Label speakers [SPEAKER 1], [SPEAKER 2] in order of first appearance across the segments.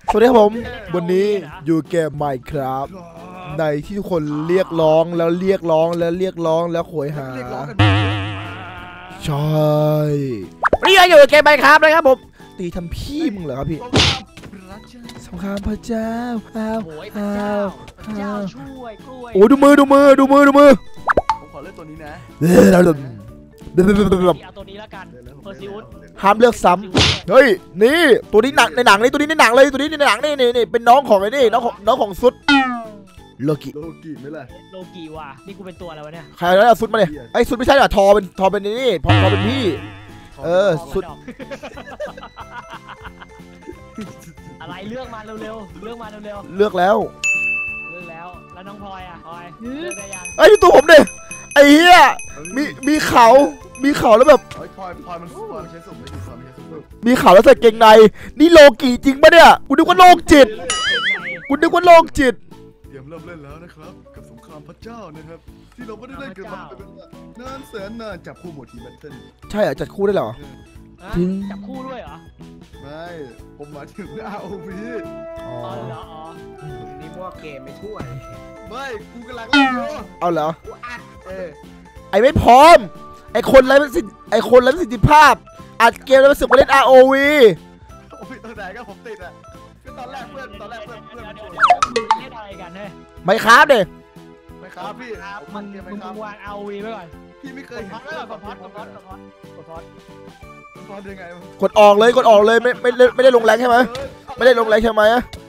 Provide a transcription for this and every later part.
[SPEAKER 1] สวัสดีครับผมวันนี้อยู่เกม Minecraft ในที่ทุกคนเรียกร้องแล้วเรียกร้องแล้วเรียกร้องแล้วโหยหาใช่วันนี้อยู่เกม Minecraft นะครับผมตีทำพี่มึงเหรอครับพี่สงครามพระเจ้า
[SPEAKER 2] ช่วยกล้วย
[SPEAKER 1] โอ้ดูมือผม
[SPEAKER 3] ขอเลือกตัวนี้นะ
[SPEAKER 2] เอาตัวนี้แล้วกันเพอร์ซิอุส
[SPEAKER 1] ห้ามเลือกซ้ำเฮ้ยนี่ตัวนี้หนังในหนังนี่ตัวนี้ในหนังเลยตัวนี้ในหนังนี่เป็นน้องของไอ้นี่น้องของซุดโลกิ
[SPEAKER 3] ไม่เลย
[SPEAKER 2] โลกิว่ะนี่กูเป็นตัวอะไรวะเนี่ย
[SPEAKER 1] ใครแล้วซุดมาเลยไอ้ซุดไม่ใช่หรอทอเป็นนี่ทอเป็นพี่ซุด
[SPEAKER 2] อะไรเลือกมาเร็วเลือกมาเร็ว
[SPEAKER 1] เลือกแล้ว
[SPEAKER 2] น้องพลอยอ่ะพลอยเลือกได้ยัง
[SPEAKER 1] ไอ้ตัวผมดิไอ้เหี้ยมีเขาแล้วแบบ
[SPEAKER 3] พลอยมันใช้สุ่มไม่ใช่สุ่ม
[SPEAKER 1] มีเขาแล้วใส่เกงในนี่โลกิจริงปะเนี่ยกูนึกว่าโลกจิตเตรี
[SPEAKER 3] ยมเริ่มเล่นแล้วนะครับกับสงครามพระเจ้านะครับที่เราไม่ได้เล่นกันมาเป็นนานแสนนานจับคู่หมดทีแบทเทิล
[SPEAKER 1] ใช่เหรอจัดคู่ได้เหรอ
[SPEAKER 2] จับคู่ด้วยเหรอ
[SPEAKER 3] ไม่ผมมาถึงROV
[SPEAKER 2] อ๋อเหรอ
[SPEAKER 4] นี่พวกเกมไม่ช่วย
[SPEAKER 3] ไม่กูกำลังเล่นอยู่
[SPEAKER 1] เอาเหรอ
[SPEAKER 3] กูอัด
[SPEAKER 1] ไอ้ไม่พร้อมไอ้คนไร้ประสิทธิภาพอัดเกมแล้วมาสึกมาเล่น ROV
[SPEAKER 3] โอ้ยตอนไหนก็ผมติดอ่ะก็ตอนแรกเพื่อนเล่น
[SPEAKER 2] อะไรกันเนี่ย
[SPEAKER 1] ไม่ครับเด็ก
[SPEAKER 3] ไม่ครับพี่
[SPEAKER 2] มึงวาง ROV ไว้ก่อน
[SPEAKER 3] พี่ไม่เคย
[SPEAKER 2] พัด
[SPEAKER 3] ยังไง
[SPEAKER 1] กดออกเลยไม่ได้ลงแรงใช่ไหมไม่ได้ลงแรงใช่ไหม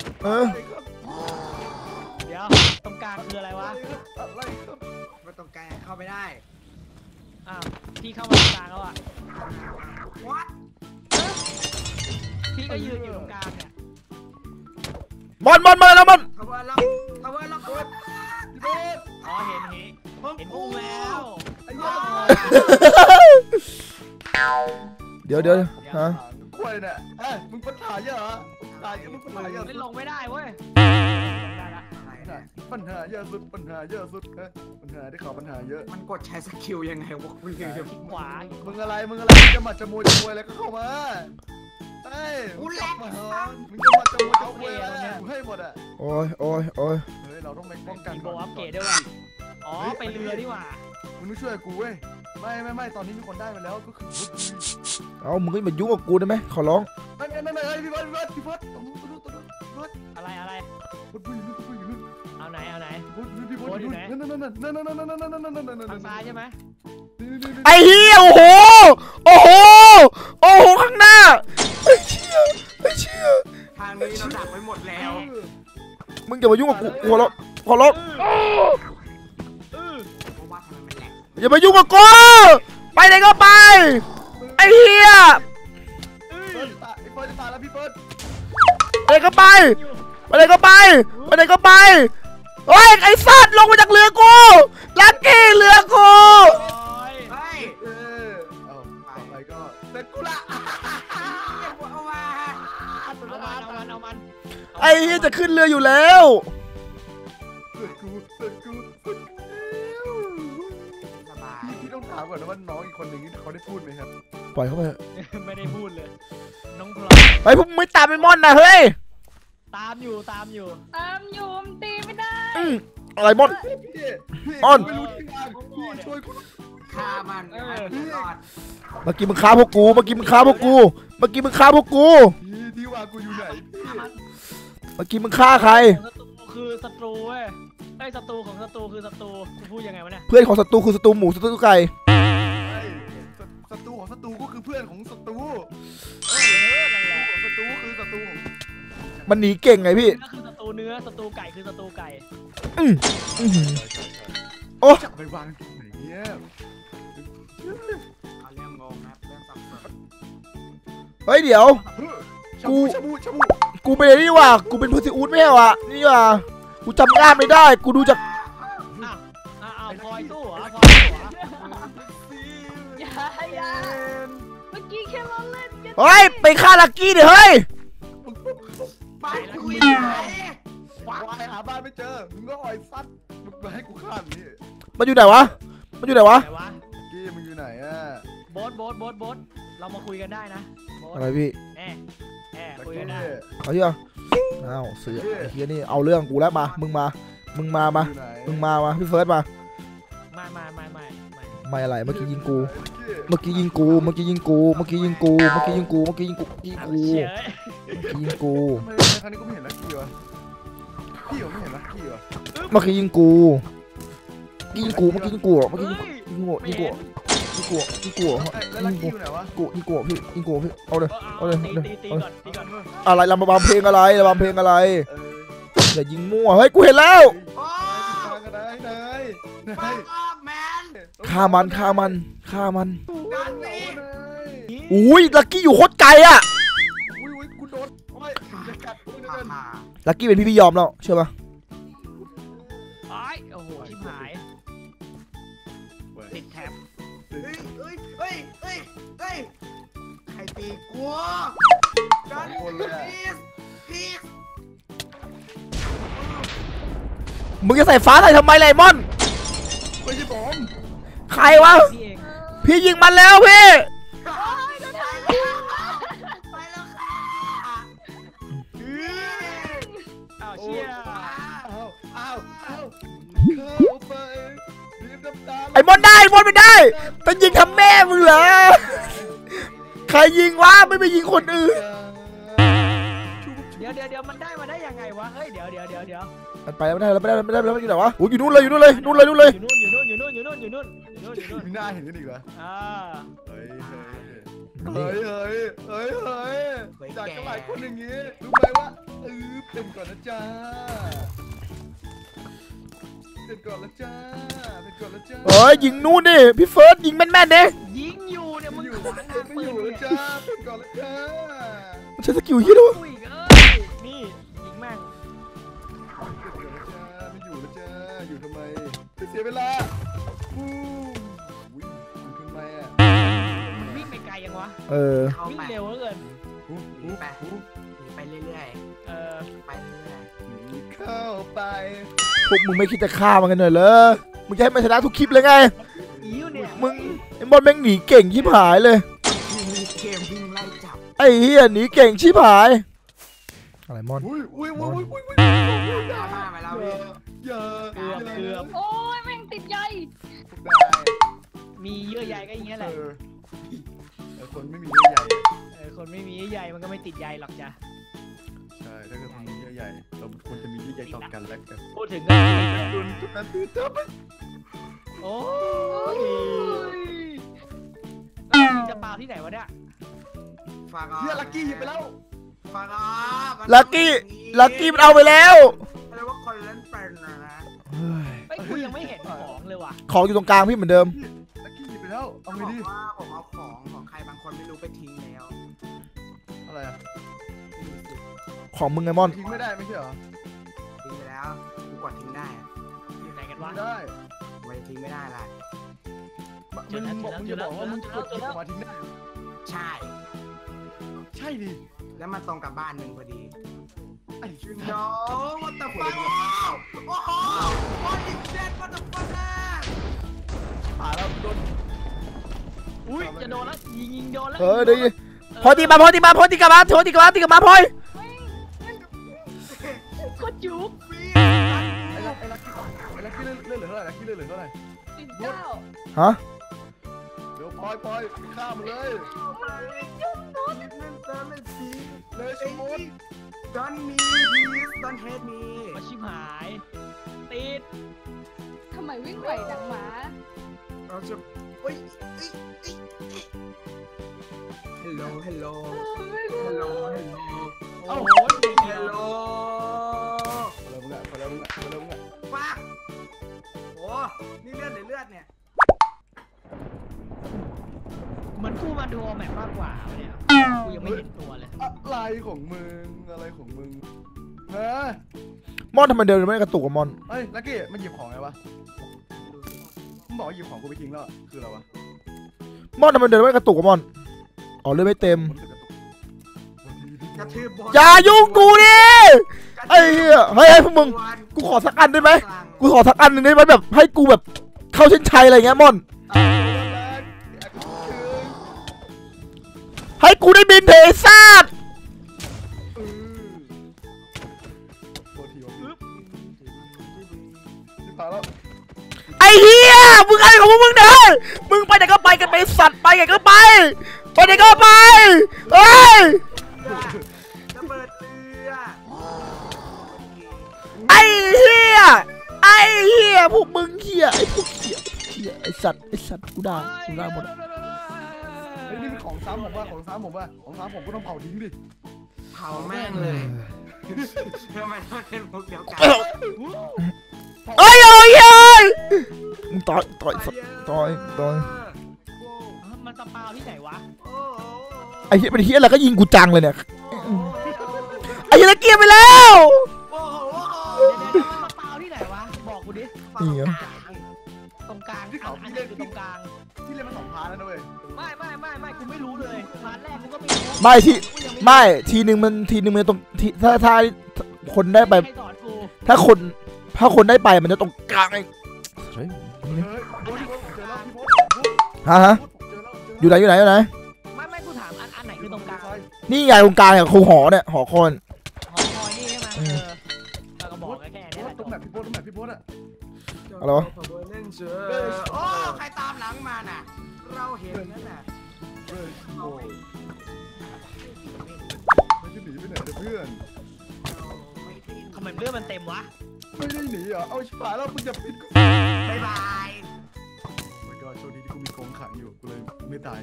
[SPEAKER 2] เดี๋ยวตรงกลางคืออะไรวะ
[SPEAKER 4] ไม่ตรงกลางเข้าไม่ได้
[SPEAKER 2] อ้าวพี่เข้ามาตรงกลางแล้วอ่ะพี่ก็ยืนอยู่ตรงกลางเนี่ย
[SPEAKER 1] มันแล้วมัน
[SPEAKER 2] อ๋อเห็นพุ่งแล้ว
[SPEAKER 1] เดี๋ยวฮะ
[SPEAKER 3] กล้วยเนี่ยมึงปัญหาเยอะเหรอมึงปัญหาเยอะ
[SPEAKER 2] ไม่ลงไม่ได้เว้ย
[SPEAKER 3] ปัญหาเยอะสุดปัญหาที่เขาปัญหาเยอะ
[SPEAKER 4] มันกดใช้สกิลยังไงวะมึง
[SPEAKER 2] ขวา
[SPEAKER 3] มึงอะไรจะมาจะมวยแล้วก็เข้ามา
[SPEAKER 4] กูแหลก
[SPEAKER 3] มึงจะมาจะมวยอะไรให้หมดอ่ะ
[SPEAKER 1] โอ้ย
[SPEAKER 3] เฮ้ยเราต้องไปป้องกัน
[SPEAKER 2] โบอัพเกรดด้วยว่ะอ๋อไปเรือดีกว่า
[SPEAKER 3] มึงต้องช่วยกูเว้ยไม่ตอนนี้มีคนได้ไปแล้วก็คือ
[SPEAKER 1] เอามึงก็มายุ่งกับกูได้ไหมขอร้อง
[SPEAKER 3] ไม่พี่พอด
[SPEAKER 2] อะไร
[SPEAKER 3] พูดอยู่
[SPEAKER 2] เอาไหน
[SPEAKER 3] พี่พอดอยู่ไหนนั่น
[SPEAKER 2] ทางซ้ายใช่ไหม
[SPEAKER 1] ไอ้เหี้ยโอ้โหข้างหน้าไม่เชื่อ
[SPEAKER 4] ทางนี้เราดักไว้หมดแล้ว
[SPEAKER 1] มึงอย่ามายุ่งกับกูขอร้องอย่ามายุ่งกับกูไปไหนก็ไปไอ้เหี้ย
[SPEAKER 3] ไอ้เฟิร์สจะตายแล้วพี่เฟิร์ส
[SPEAKER 1] ไปไหนก็ไปเฮ้ยไอ้สัตว์ลงมาจากเรือกูลักกี้เรือกู
[SPEAKER 3] อะไรก็เสร็จกูละ
[SPEAKER 2] เอามัน
[SPEAKER 1] ไอ้เหี้ยจะขึ้นเรืออยู่แล้ว
[SPEAKER 3] เสร็จกูพี่ต้องถามก่อนนะว่าน้องอีกคนหนึ่งเขาได้พูดไหมครับ
[SPEAKER 1] ปล่อยเขาไป
[SPEAKER 2] ไม่ได้พูดเลยน้องพลอย
[SPEAKER 1] ไปพวกมึงไม่ตามไอ้ม่อนนะเฮ้ย
[SPEAKER 2] ตามอยู่
[SPEAKER 5] มันตีไม่ได้
[SPEAKER 1] อะไรม่อน
[SPEAKER 3] ไม่รู้ที่งานพี่ช่วย
[SPEAKER 4] ฆ่ามันรอด
[SPEAKER 1] เมื่อกี้มึงฆ่าพวกกูดี
[SPEAKER 3] ว่ากูอยู่ไหน
[SPEAKER 1] เมื่อกี้มึงฆ่าใคร
[SPEAKER 2] คือศัตรูเว้ยไอ้ศัตรูของศัตรูคือศัตรูกูพูดยังไงวะเนี่ย
[SPEAKER 1] เพื่อนของศัตรูคือศัตรูหมูศัตรูไก่
[SPEAKER 3] ศัตรูของศัตรูก็คือเพื่อนของศัตรู
[SPEAKER 2] นั่นแหละ
[SPEAKER 3] ศัตรูคือศัตรู
[SPEAKER 1] มันหนีเก่งไงพี่
[SPEAKER 2] ก็คือศัตรูเนื้อศัตรูไก่คือศัตรูไก่
[SPEAKER 1] โอ้
[SPEAKER 3] จะไปวางไหนเนี่ย
[SPEAKER 4] เรื่องงงนะเรื่องสับสน
[SPEAKER 1] เฮ้ยเดี๋ยวกูไปเลยนี่ว่ะกูเป็นพูซิอูดไม่ใช่ว่ะนี่ว่ะกูจำหน้าไม่ได้กูดูจาก
[SPEAKER 2] พลอยตู้เหรอ
[SPEAKER 5] อย่าเมื่อกี้แค่เราเล่นกัน
[SPEAKER 1] เฮ้ยไปฆ่าลักกี้ดิเฮ้ย
[SPEAKER 4] ไปคุย
[SPEAKER 3] ไปหาบ้านไม่เจอมึงก็อ่อยซัดมึงมาให้กูฆ่านี่
[SPEAKER 1] มันอยู่ไหนวะกี้
[SPEAKER 3] มึงอยู่ไหนอ่ะ
[SPEAKER 2] โบ๊ทเรามาคุยกันได้นะ
[SPEAKER 1] อะไรพี่
[SPEAKER 2] คุยกันได้
[SPEAKER 1] เอาที่อ้าวเสือไอ้เฮียนี่เอาเรื่องกูแล้วมามึงมาพี่เฟิร์สมาไม่อะไรเมื่อกี้ยิงกูเมื่อกี้ยิงกู
[SPEAKER 2] เฉย
[SPEAKER 1] ยิงกู
[SPEAKER 3] ทำไมครั้งนี้กูไม่เห็นลักกี้วะพี่ผมไม่เห็นลักกี้วะ
[SPEAKER 1] เมื่อกี้ยิงกูยิงกูเอาเลยพี่อะไรระบำเพลงอะไรอย่ายิงมั่วเฮ้ยกูเห็นแล้วฆ่ามันอุ้ยลักกี้อยู่โคตรไกลอะ
[SPEAKER 3] อุ้ยกูโดนโอ้ยจะกัดกูเดิน
[SPEAKER 1] ลักกี้เป็นพี่ยอมแล้วเชื่อปะ
[SPEAKER 2] โอ้โหชิบหายติดแท็บ
[SPEAKER 4] ใครตีกูกันพีส
[SPEAKER 1] มึงจะใส่ฟ้าใส่ทำไมไลมอน
[SPEAKER 3] ไม่ใช่ผม
[SPEAKER 1] ใครวะ
[SPEAKER 2] พี่เอง
[SPEAKER 1] พี่ยิงมันแล้วพี่
[SPEAKER 4] ไปแล้วค่ะ
[SPEAKER 2] อ้าวเชี่ย
[SPEAKER 3] อ้าวเข้าไปรีบน้ำตา
[SPEAKER 1] ไอ้มอนไม่ได้แต่ยิงทำแม่มึงเหรอใครยิงวะไม่ไปยิงคนอื่น
[SPEAKER 2] เดี๋ยวมันได้มาได้ยังไงวะเฮ้ยเดี๋ยว
[SPEAKER 1] มันไปแล้วไม่ได้อยู่ไหนวะโอ้ยอยู่นู่นเลย
[SPEAKER 2] อยู่นู่น
[SPEAKER 3] มีหน้าเห็นกันอีกเหรอ เฮ้ยจากกันหลายคนอย่างงี้รู้ไหมว่าเป็นก่อนนะจ๊ะ
[SPEAKER 1] เฮ้ยยิงนู่นดิพี่เฟิร์สยิงแม่นๆดิ
[SPEAKER 2] ยิงอยู่เนี่ยมึง
[SPEAKER 3] ไม่อยู่แล้วจ้าเป็นก่อนแล้วจ้า
[SPEAKER 1] มันใช้สกิลยี่ด้วย
[SPEAKER 2] นี่ยิงแม่ง
[SPEAKER 3] ไม่อยู่แล้วจ้าอยู่ทำไมไม่เสียเวลาอยู่ทำไมอ่ะ
[SPEAKER 2] วิ่งไปไกลยังวะวิ่งเร็วเหลือเกิน
[SPEAKER 4] ไปเรื่อย ไปเรื่อย
[SPEAKER 3] เข้าไป
[SPEAKER 1] พวกมึงไม่คิดจะฆ่ามันกันหน่อยเหรอมึงจะให้มันชนะทุกคลิปเลยไง
[SPEAKER 2] อิ้วเนี่ย
[SPEAKER 1] มึงไอ้บอลแม่งหนีเก่งชิบหายเลย
[SPEAKER 4] เกมวิ่งไล่จับ
[SPEAKER 1] ไอ้เฮียหนีเก่งชิบหายอะไรมอน
[SPEAKER 3] อุ้ย
[SPEAKER 4] มาแล้วพี่
[SPEAKER 3] อย่า
[SPEAKER 2] เกือบ
[SPEAKER 5] โอ้ยแม่งติดใย
[SPEAKER 2] มีเยื่อใยก็อย่างเงี้ยแหละ
[SPEAKER 3] คนไม่มีเยื่อใย
[SPEAKER 2] คนไม่มีเยื่อใยมันก็ไม่ติดใยหรอกจ้ะ
[SPEAKER 3] ใช่ถ้าเกิดคนมีเยื่อใยเราควรจะมีเยื่อใยต่อกันและกัน
[SPEAKER 2] พูดถึงก็
[SPEAKER 3] ดุนจุดนั้นตื่นเต้น
[SPEAKER 2] โอ้ยจะปาที่ไหนวะเนี่ย
[SPEAKER 4] ฟัง
[SPEAKER 3] เฮียลักกี้หยิบไปแล้ว
[SPEAKER 4] ฟัง
[SPEAKER 1] ลักกี้มันเอาไปแล้ว
[SPEAKER 4] เรียกว่าคนเล่นเป็นนะ
[SPEAKER 2] ไอ้กูยังไม่เห็นของเลยว่ะ
[SPEAKER 1] ของอยู่ตรงกลางพี่เหมือนเดิม
[SPEAKER 3] ลักกี้หยิบไปแล้วเอาไงดี
[SPEAKER 4] ว่าผมเอาของใครบางคนไม่รู้ไปทิ้งแล้ว
[SPEAKER 3] อะไรอ่ะ
[SPEAKER 1] ของมึงไงมอน
[SPEAKER 3] ทิ้งไม่ได้ไม่ใช่เหรอ
[SPEAKER 4] ทิ้งไปแล้วกูกดทิ้งได้
[SPEAKER 2] อยู่ไหนกันวะ
[SPEAKER 3] ไม่ได้
[SPEAKER 4] ไม่ทิ้งไม่ได้ล่ะ
[SPEAKER 3] มึงจะบอกว่ามึงกดหยิบออกมาทิ้งได้
[SPEAKER 4] ใช่
[SPEAKER 3] ใช่ดิ
[SPEAKER 4] แล้วมันตรงกับบ้านมึงพอดี
[SPEAKER 3] ไอ้ชื่อ
[SPEAKER 4] โน้what the fuck โอ้โห what is that what the fuck
[SPEAKER 3] ผ่าแล้วโดน
[SPEAKER 2] อุ้ยจะโดนแล้วยิงโดนแล้ว
[SPEAKER 1] เดี๋ยวพอตีกลับมาพลอย
[SPEAKER 5] โคตรจุก
[SPEAKER 3] ไอ้ลักกี้เลื่อนเหลือเท่าไหร่ลักกี้เลื่อนเหลือเท่าไหร่
[SPEAKER 5] ติดเจ้า
[SPEAKER 1] ฮะ
[SPEAKER 3] เดี๋ยวปล่อยข้ามเลย เลยสมุน
[SPEAKER 4] Don't me please don't hate me
[SPEAKER 2] มาชิบหายติด
[SPEAKER 5] ทำไมวิ่งไหวดังหมา
[SPEAKER 4] เราจะเฮ้ย hello hello hello
[SPEAKER 2] โอ้โห
[SPEAKER 4] hello
[SPEAKER 3] พอแล้วมึงอ่ะ
[SPEAKER 4] ฟักโอ้นี่เลือดหรือเลือดเนี่ย
[SPEAKER 2] มันกูมาดูแมปมากกว่าเนี่ยกูยังไม่เห็นตัวเลย
[SPEAKER 3] อะไรของมึงฮะ
[SPEAKER 1] มอนทำไมเดินไม่กระตุกกับมอน
[SPEAKER 3] เฮ้ยลักกี้มันหยิบของไงวะมึงบอกหยิบของกูไปทิ้งแล้วคืออะไรวะ
[SPEAKER 1] มอนทำไมเดินไม่กระตุกกับมอนอ๋อเลือดไม่เต็ม
[SPEAKER 4] กระทืบบอล
[SPEAKER 1] อย่ายุ่งกูดิไอ้เหี้ยเฮ้ยพวกมึงกูขอสักอันได้ไหมกูขอสักอันหนึ่งได้ไหมแบบให้กูแบบเข้าเส้นชัยอะไรเงี้ยมอนให้กูได้บินเทซ่าเหี้ยมึงอะไรของมึงเนี่ยมึงไปไหนก็ไปกันไปสัตว์ไปไหนก็ไปไหนก็ไปเฮ้ย
[SPEAKER 4] ระเบิดเรือ
[SPEAKER 1] ไอ้เหี้ยพวกมึงเหี้ยไอ้พวกเหี้ยไอ้สัตว์กูด่าหมด
[SPEAKER 3] ไอ้นี่เป็นของซ้ำผมว่าของซ้ำผมก็ต้องเผาทิ้งดิ
[SPEAKER 4] เผาแม่งเลยทำไมต้องเป็นพวกเดียวกัน
[SPEAKER 1] เอ้ยมึงต่อย
[SPEAKER 2] มันสปาวที่ไหนวะ
[SPEAKER 1] ไอ้เหี้ยเป็นเหี้ยอะไรก็ยิงกูจังเลยเนี่ยไอ้เหี้ยตะเกียบไปแล้ว
[SPEAKER 2] เดี๋ยวมันสปาวที่ไหนวะบอกกูดิ
[SPEAKER 1] นี่เหรอ
[SPEAKER 2] ตรงกลางอันไหนคือตรงกลาง
[SPEAKER 3] ที่เล่นมา2 พาร์ทแล้วนะเว้ย
[SPEAKER 2] ไม่กูไม่รู้เลยพาร์ทแรกกูก็ไม่รู้
[SPEAKER 1] ไม่ทีนึงมันตรงที่ถ้าคนได้ไป
[SPEAKER 2] ใครสอนกู
[SPEAKER 1] ถ้าคนได้ไปมันจะตรงกลางไอ้
[SPEAKER 3] เฮ้ยพี่โบ๊ทเจอแล้วพี่โบ๊ท
[SPEAKER 1] ฮะอยู่ไหน
[SPEAKER 2] ไม่กูถามอันไหนคือตรงกลาง
[SPEAKER 1] นี่ไงตรงกลางอย่างครูหอเนี่ยหอคอน
[SPEAKER 2] หอคอยนี่ใช่ไหมเราก็บอกแค่นี้แหละ
[SPEAKER 3] ตรงแบบพี่โบ๊ทอะ
[SPEAKER 1] อะไรวะ
[SPEAKER 4] เล่นเสือโอ้ใครตามหลังมาน่ะเราเห็นนั่นน่ะ
[SPEAKER 3] เฮ้ยโอ้ไม่ได้หนีไปไหนเพื่อน
[SPEAKER 2] ทำไมเรื่องมันเต็มวะ
[SPEAKER 3] ไม่ได้หนีเหรอเอาชิบหายแล้วมึงจะปิดกู
[SPEAKER 4] บ๊ายบาย
[SPEAKER 3] ไม่ก็โชคดีที่กูมีกองขังอยู่กูเลยไม่ตาย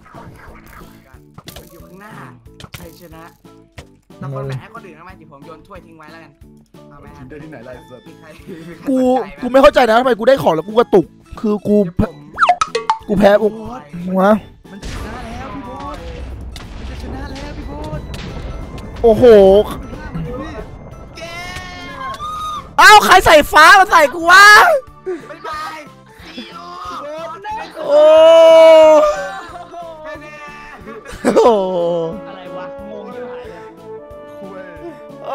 [SPEAKER 4] อยู่ข้างหน้าใครชนะตะโกนแบ่งให้คนอื่นทำไมที่ผมโยนถ้วยทิ้งไว้แล้วกันเอาไหม
[SPEAKER 3] กินได้ที่ไหนไรสัตว์
[SPEAKER 4] มีใคร
[SPEAKER 1] กูไม่เข้าใจนะทำไมกูได้ของแล้วกูกระตุกคือกูแพ้วะ
[SPEAKER 3] มันจะชนะแล้วพี่โบ๊ทมันจะชนะแล้วพี่โบ๊ท
[SPEAKER 1] โอ้โห
[SPEAKER 4] เก
[SPEAKER 1] เอ้าใครใส่ฟ้ามาใส่กูวะ
[SPEAKER 4] บ๊ายบายซีโอ
[SPEAKER 1] โอ้โห
[SPEAKER 2] อะไรวะงงอยู่หายเลย
[SPEAKER 3] คุย
[SPEAKER 1] โอ้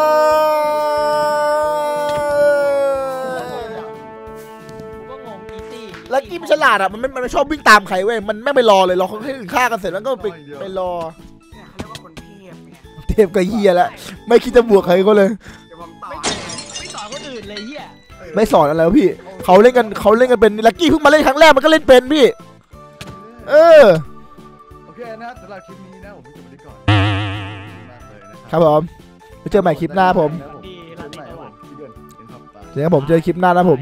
[SPEAKER 2] กูก็งงอีซี่
[SPEAKER 1] แล้วกี้มันฉลาดอ่ะมันไม่ชอบวิ่งตามใครเว้ยมันไม่ไปรอเลยรอเขาให้อื่นฆ่ากันเสร็จแล้วก็ไปรอ
[SPEAKER 4] เนี่ยเขาเรียกว่าคนเทพเนี่ย
[SPEAKER 1] เทพกับเฮียแล้วไม่คิดจะบวกใครก็เลย
[SPEAKER 4] เดี๋ยวผมต่อ
[SPEAKER 2] ไม่สอนคนอื่นเลยเฮีย
[SPEAKER 1] ไม่สอนอะไรวะพี่เขาเล่นกันเป็นลักกี้เพิ่งมาเล่นครั้งแรกมันก็เล่นเป็นพี่เออ
[SPEAKER 3] โอเคนะสำหรับคลิปนี้นะผมจะไปก่อนมากเลยนะ
[SPEAKER 1] ครับผมไปเจอใหม่คลิปหน้าผม
[SPEAKER 2] ดีราตรีสวัสดิ์
[SPEAKER 3] พี่เดือนเห็นครับตา
[SPEAKER 1] เจอกันผมเจอคลิปหน้านะผม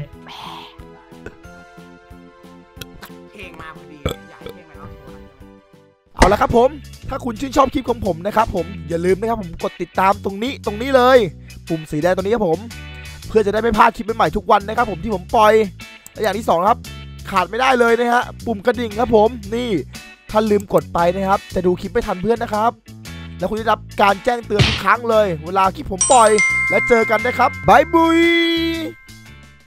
[SPEAKER 4] เพลงมาพอดีอยากให้เพลงมาเอาโชว์
[SPEAKER 1] เอาละครับผมถ้าคุณชื่นชอบคลิปของผมนะครับผมอย่าลืมนะครับผมกดติดตามตรงนี้เลยปุ่มสีแดงตรงนี้ครับผมเพื่อจะได้ไม่พลาดคลิปใหม่ๆทุกวันนะครับผมที่ผมปล่อยและอย่างที่2ครับขาดไม่ได้เลยนะฮะปุ่มกระดิ่งครับผมนี่ถ้าลืมกดไปนะครับจะดูคลิปไม่ทันเพื่อนนะครับแล้วคุณจะได้รับการแจ้งเตือนทุกครั้งเลยเวลาคลิปผมปล่อยและเจอกันนะครับบายบุย